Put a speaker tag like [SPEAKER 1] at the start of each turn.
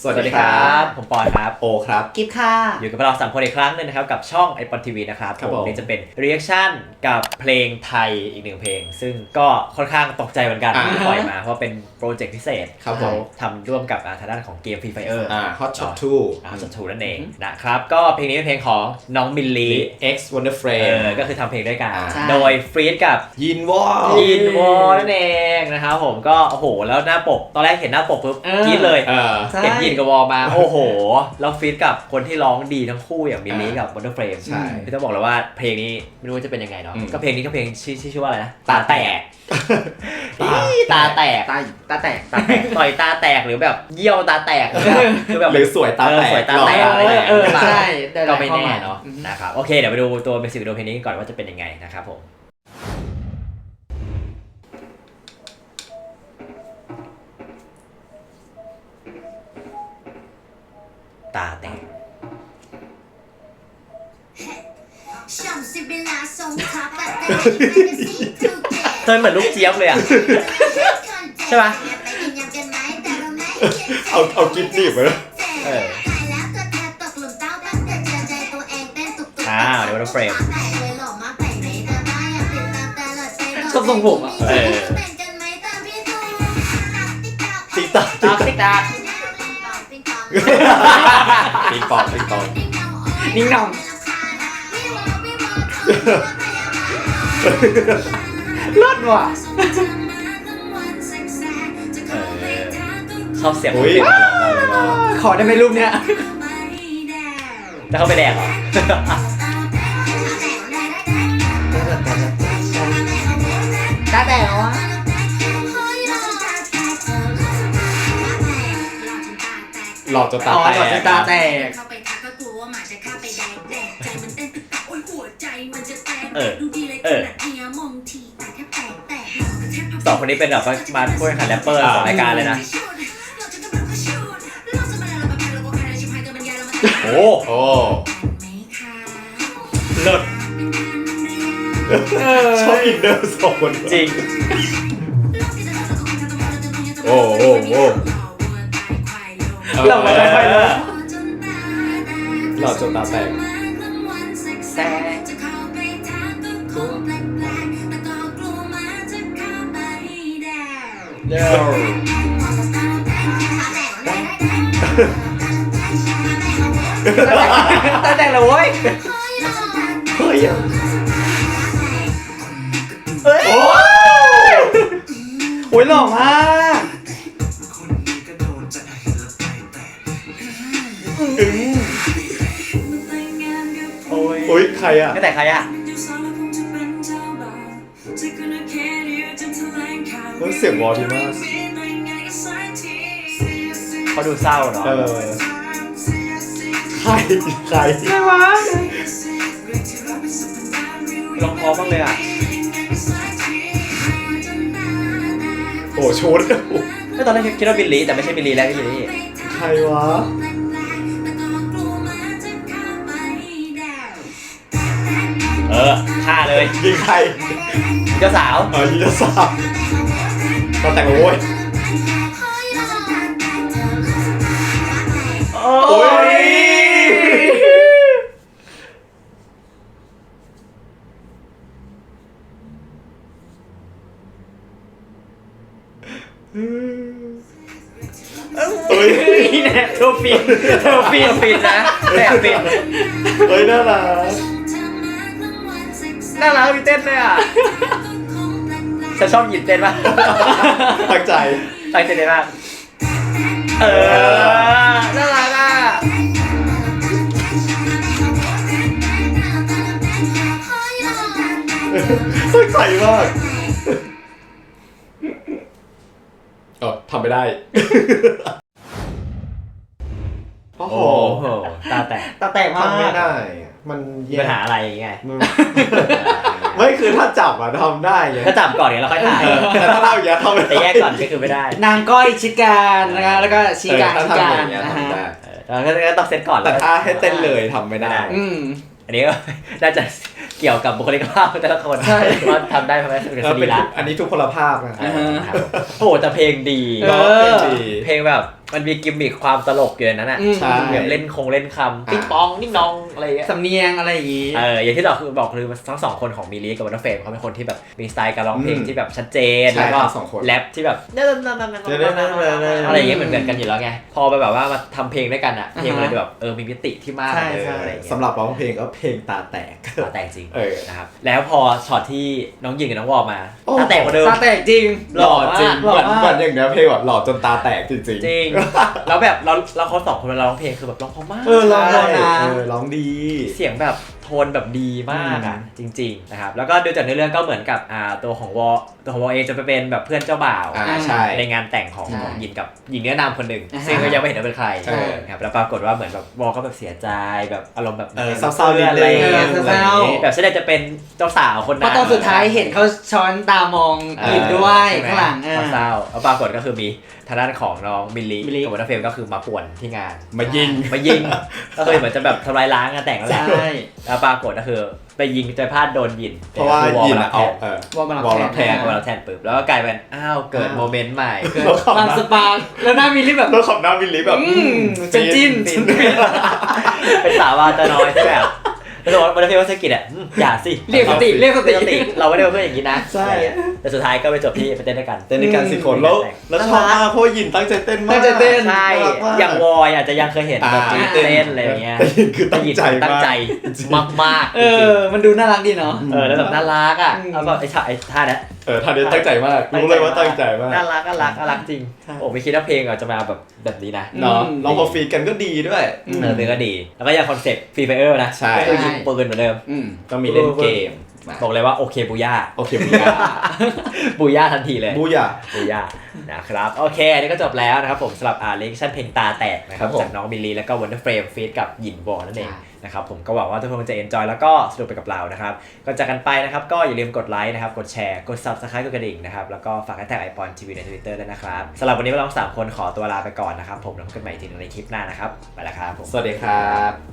[SPEAKER 1] สวัสดีครับผมปอนครับ
[SPEAKER 2] โอครับ
[SPEAKER 3] กิฟค่ะ
[SPEAKER 1] อยู่กับเรา3คนอีกครั้งนึงนะครับกับช่องไอปอนทีวีนะครับผมนี่จะเป็นรีแอคชั่นกับเพลงไทยอีกหนึ่งเพลงซึ่งก็ค่อนข้างตกใจเหมือนกันที่ปล่อยมาเพราะเป็นโปรเจกต์พิเศษเขาทำร่วมกับทางด้านของเกม Free Fire
[SPEAKER 2] Hot Shot
[SPEAKER 1] 2 Hot Shot 2นั่นเองนะครับก็เพลงนี้เป็นเพลงของน้องมิลลี
[SPEAKER 2] X Wonder Frame
[SPEAKER 1] ก็คือทำเพลงด้วยกันโดยฟรีดกับ
[SPEAKER 2] ยินวอ
[SPEAKER 1] ลนั่นเองนะครับผมก็โอ้โหแล้วหน้าปกตอนแรกเห็นหน้าปกปุ๊บกรี๊ดเลยเห็นยินกับวอลมาโอ้โหแล้วฟีดกับคนที่ร้องดีทั้งคู่อย่างมิลลี่กับ Wonder Frame
[SPEAKER 2] ใช่
[SPEAKER 1] พี่ต้องบอกเลยว่าเพลงนี้ไม่รู้ว่าจะเป็นยังไงเนาะก็เพลงนี้ก็เพลงชื่อว่าอะไรนะตาแตกตาแตกต่อยตาแตกหรือแบบเยี่ยวตาแตกคือแบบ
[SPEAKER 2] หรือสวยตาแตก
[SPEAKER 3] ใช่
[SPEAKER 1] ก็ไม่แน่เนาะนะครับโอเคเดี๋ยวไปดูตัวเบสิกวิดีโอเพลงนี้ก่อนว่าจะเป็นยังไงนะครับผมตาแตกเธอเหมือนลูกเจี๊ยบเลยอ่ะใช่ปะ
[SPEAKER 2] เอากิ๊บจีบไปแล้ว
[SPEAKER 1] เดี๋ยวเราเฟรม
[SPEAKER 3] ชอบทรงผมอ่ะ
[SPEAKER 2] ติ๊กต๊อก
[SPEAKER 1] ติ๊กต๊อก
[SPEAKER 2] ติ๊กปอง
[SPEAKER 3] นิ่งนองรอดว่ะ
[SPEAKER 1] ชอบเสียง
[SPEAKER 3] ขอได้ไหมรูปเนี้ย
[SPEAKER 1] จะเข้าไปแดกเหรอ
[SPEAKER 3] ตาแตกวะ
[SPEAKER 2] หลอดจนตาแตก
[SPEAKER 1] สองคนนี้เป็นแบบมาพูดขันแรปเปอร์ของรายการเลยนะโอ้เลิศ
[SPEAKER 2] ชอบอินเนอร์สองคน
[SPEAKER 1] จริง
[SPEAKER 3] เราไม่ค่อยเลย
[SPEAKER 2] หลอดจนตาแตก
[SPEAKER 1] เย้
[SPEAKER 3] ตาแตกเลยเว้ย
[SPEAKER 2] เฮ้ย
[SPEAKER 3] โอ้ยหล่อมาก
[SPEAKER 2] โอ้ยใครอ่ะ
[SPEAKER 1] ไม่แต่ใครอ่ะ
[SPEAKER 2] เสียงวอลดีมาก
[SPEAKER 1] เขาดูเศร้าเนาะ
[SPEAKER 2] ใคร
[SPEAKER 3] วะ
[SPEAKER 1] ร้องเพราะมากเลยอ่ะ
[SPEAKER 2] โอ้ชุด
[SPEAKER 1] ตอนแรกคิดว่าบิลลี่แต่ไม่ใช่บิลลี่แล้วที่อยู่นี่
[SPEAKER 2] ใครวะ
[SPEAKER 1] ฆ่าเลย
[SPEAKER 2] ยิงใคร
[SPEAKER 1] เจ้าสาว
[SPEAKER 2] ยิงเจ้าสาวตอนแต่งโว้ย
[SPEAKER 1] โอ้ยเนี่ยเธอฟินนะแบบฟิน
[SPEAKER 2] เฮ้ยน่ารัก
[SPEAKER 1] มีเต้นเลยอ่ะจะชอบหยิบเต้นป่ะ
[SPEAKER 2] ตั้งใจ
[SPEAKER 1] เลยมากน่ารักอ่ะ
[SPEAKER 2] ตั้งใจมากทำไม่ได้โอ้โห
[SPEAKER 1] ตาแตก
[SPEAKER 3] มาก
[SPEAKER 2] ไม่ได้มัน
[SPEAKER 1] ปัญหาอะไรไง
[SPEAKER 2] ไม่คือถ้าจับทำได้
[SPEAKER 1] ถ้าจับก่อนเนี่ยเราค่อยถ่าย
[SPEAKER 2] แต่ถ้าเราอย่าทำ
[SPEAKER 1] แต่แยกก่อนก็คือไม่ได้
[SPEAKER 3] นางก้อยชิดการนะคะแล้วก็ชี้การ
[SPEAKER 2] นะฮะ
[SPEAKER 1] ก็ต้องเซตก่อน
[SPEAKER 2] แต่ถ้าให้เต้นเลยทำไม่ได้
[SPEAKER 1] อันนี้ก็น่าจะเกี่ยวกับบุคลิกภาพแต่ละคนว่าทำได้เพราะว่าเป็นสรีระ
[SPEAKER 2] อันนี้ทุกพลภาพนะ
[SPEAKER 1] โอ้โหแต่เพลงดีเพลงแบบมันมีกิมมิคความตลกอยู่ในนั้นอ่ะ
[SPEAKER 2] ใช่
[SPEAKER 1] แบบเล่นเล่นคำปิ๊งปองนิ่งนองอะไรอย่างเงี้ย
[SPEAKER 3] สำเนียงอะไรอย่างงี้
[SPEAKER 1] อย่างที่บอกคือทั้งสองคนของมิลลี่กับวันเดอร์เฟรมเขาเป็นคนที่แบบมีสไตล์การร้องเพลงที่แบบชัดเจน
[SPEAKER 2] ใช่
[SPEAKER 1] แล้วก็
[SPEAKER 2] ทั้งสองคน
[SPEAKER 1] แรปที่แบบอะไรอย่างเงี้ยเหมือนกันอยู่แล้วไงพอไปแบบว่ามาทำเพลงด้วยกันอ่ะเพลงมันเลยแบบมีมิติที่มาก
[SPEAKER 3] ใช่
[SPEAKER 1] เลย
[SPEAKER 3] ใช่
[SPEAKER 1] อะไรอย่างเงี้ย
[SPEAKER 2] สำหรับร้องเพลงก็เพลงตาแตก
[SPEAKER 1] ตาแตกจริง
[SPEAKER 2] นะครับ
[SPEAKER 1] แล้วพอช็อตที่น้องยิงกับน้องวอลมา
[SPEAKER 2] โอ้
[SPEAKER 1] ตาแตกกว่าเดิม
[SPEAKER 3] ตาแตกจริง
[SPEAKER 2] หล่อจริง
[SPEAKER 3] หล่อ
[SPEAKER 2] เหมือน
[SPEAKER 3] มาก
[SPEAKER 2] เหมือนอย่างเนี้ยเพลงแบบหล่อจนตาแตกจริง
[SPEAKER 1] จริง แล้วแบบเราเขาสองคนเวลาร้องเพลงคือแบบร้องเพราะมาก
[SPEAKER 2] ร้อง
[SPEAKER 3] ใช่
[SPEAKER 2] ได้ร้องดี
[SPEAKER 1] เสียงแบบโทนแบบดีมากอ่ะจริงๆนะครับแล้วก็ดูจากเนื้อเรื่องก็เหมือนกับตัวของวอเองจะไปเป็นแบบเพื่อนเจ้าบ่าว
[SPEAKER 2] ใช่
[SPEAKER 1] ในงานแต่งของ
[SPEAKER 3] ใช่
[SPEAKER 1] ยินกับหญิงเนื้อนามคนหนึ่ง
[SPEAKER 3] อ่าฮะ
[SPEAKER 1] ซึ่งก็ยังไม่เห็นว่าเป็นใคร
[SPEAKER 2] ใช่
[SPEAKER 1] ครับแล้วปรากฏว่าเหมือนแบบวอก็แบบเสียใจแบบอารมณ์แบบ
[SPEAKER 2] เศร้าๆนิด
[SPEAKER 1] อะไร
[SPEAKER 2] นึง
[SPEAKER 1] อย่างเงี้ย
[SPEAKER 3] เศร้า
[SPEAKER 1] แบบแสดงจะเป็นเจ้าสาวคน
[SPEAKER 3] เพ
[SPEAKER 1] นั้น
[SPEAKER 3] ราะตอนสุดท้ายเห็นเขาช้อนตามองยินด้วย
[SPEAKER 1] ใช่ไม
[SPEAKER 3] ข้างหลัง
[SPEAKER 1] เศร้าแล้วปรากฏก็คือมีทางด้านของน้องมิลลี่
[SPEAKER 3] มิลลี่
[SPEAKER 1] กับวันเดอร์เฟรมก็คือมาป่วนที่งาน
[SPEAKER 2] มายิง
[SPEAKER 1] มายิง ก็คือเหมือนจะแบบทำลายล้างงานแต่งนั่นแหละ
[SPEAKER 3] ใช่
[SPEAKER 1] แล้วปรากฏก็คือไปยิงใจพลาดโดนยิน
[SPEAKER 2] เพราะว่า
[SPEAKER 1] คือวอล
[SPEAKER 2] ยิน
[SPEAKER 1] มา
[SPEAKER 2] เอา
[SPEAKER 3] วอลมารับ
[SPEAKER 2] วอลรับ
[SPEAKER 3] แท
[SPEAKER 2] แท
[SPEAKER 3] น
[SPEAKER 2] น
[SPEAKER 1] วอลมาแทนปุ๊บแล้วก็กลายเป็นเกิดโมเมนต์ใหม่
[SPEAKER 3] เกิดความสปาร์คแล้วหน้ามิลลี่แบบ
[SPEAKER 2] แล้วขับหน้าวิลลี่แบบ
[SPEAKER 3] เป็นจิ้น
[SPEAKER 1] เป็นสาววาจะน้อยที่แบบแล้วบอกว่าวันเดอร์เฟรมว่าเศรษฐกิจอย่าสิ
[SPEAKER 3] เรียกสติเรียกสติ
[SPEAKER 1] เราไม่ได้เป็นเพื่อนอย่างนี้นะ
[SPEAKER 2] ใช่
[SPEAKER 1] แต่สุดท้ายก็ไปจบที่ไปเต้นด้วยกัน
[SPEAKER 2] เต้นในการสี่คนแล้วชอบมากเพราะว่ายินตั้งใจเต้นมาก
[SPEAKER 3] ตั้งใจเต้น
[SPEAKER 1] ใช่
[SPEAKER 2] น่รักมก
[SPEAKER 1] อย่างวอยอาจจะยังเคยเห็นแบบนี้เต้นอะไรอย่างเงี้ย
[SPEAKER 2] แต่ยินคือตั้งใจ
[SPEAKER 1] ตั้ง
[SPEAKER 2] มาก
[SPEAKER 1] ใจมากๆจริง
[SPEAKER 3] มันดูน่ารักดีเนาะ
[SPEAKER 1] ๆแล้วแบบน่ารักอ่ะ
[SPEAKER 3] อืม
[SPEAKER 1] แล้วก็ไอ้ท่าเนี้ย
[SPEAKER 2] ท่านนี้ตั้งใจมากรู้เลยว่าตั้งใจมาก
[SPEAKER 1] น่ารักจริง
[SPEAKER 2] ใช่
[SPEAKER 1] โอ้ไม่คิดว่าเพลงจะมาแบบนี้นะ
[SPEAKER 2] เนาะร้องพอฟีดกันก็ดีด้วย
[SPEAKER 1] เพลงก็ดี แล้วก็ยังคอนเซ็ปต์ฟรีไฟเออร์นะ
[SPEAKER 2] ใช่
[SPEAKER 1] ก็คือยิงปืนเหมือนเดิม
[SPEAKER 2] ต้องมีเล่นเกมมา
[SPEAKER 1] บอกเลยว่าโอเคบูย่า
[SPEAKER 2] โอเคบูยา
[SPEAKER 1] บูย่าทันทีเลย
[SPEAKER 2] บูยา
[SPEAKER 1] บูย่านะครับโอเคอันนี้ก็จบแล้วนะครับผมสำหรับเลคชั่นเพลงตาแตกนะครับ
[SPEAKER 2] ครับผม
[SPEAKER 1] จากน้องมิลลีแล้วก็วันเดอร์เฟรมฟีดกับหยินวอนั่นเอง
[SPEAKER 3] ใช่
[SPEAKER 1] นะครับผมก็หวังว่าทุกคนจะเอนจอยแล้วก็สนุกไปกับเรานะครับก่อนจากกันไปนะครับก็อย่าลืมกดไลค์นะครับกดแชร์กด Subscribe กดกระดิ่งนะครับแล้วก็ฝากแท็กไอปอนทีวีใน Twitter ด้วยนะครับสำหรับวันนี้พวกเรา3 คนขอตัวลาไปก่อนนะครับผมแล้วพบกันใหม่ทีนึงในคลิปหน้านะครับไปแล้วครับผม
[SPEAKER 2] สวัสดีครับ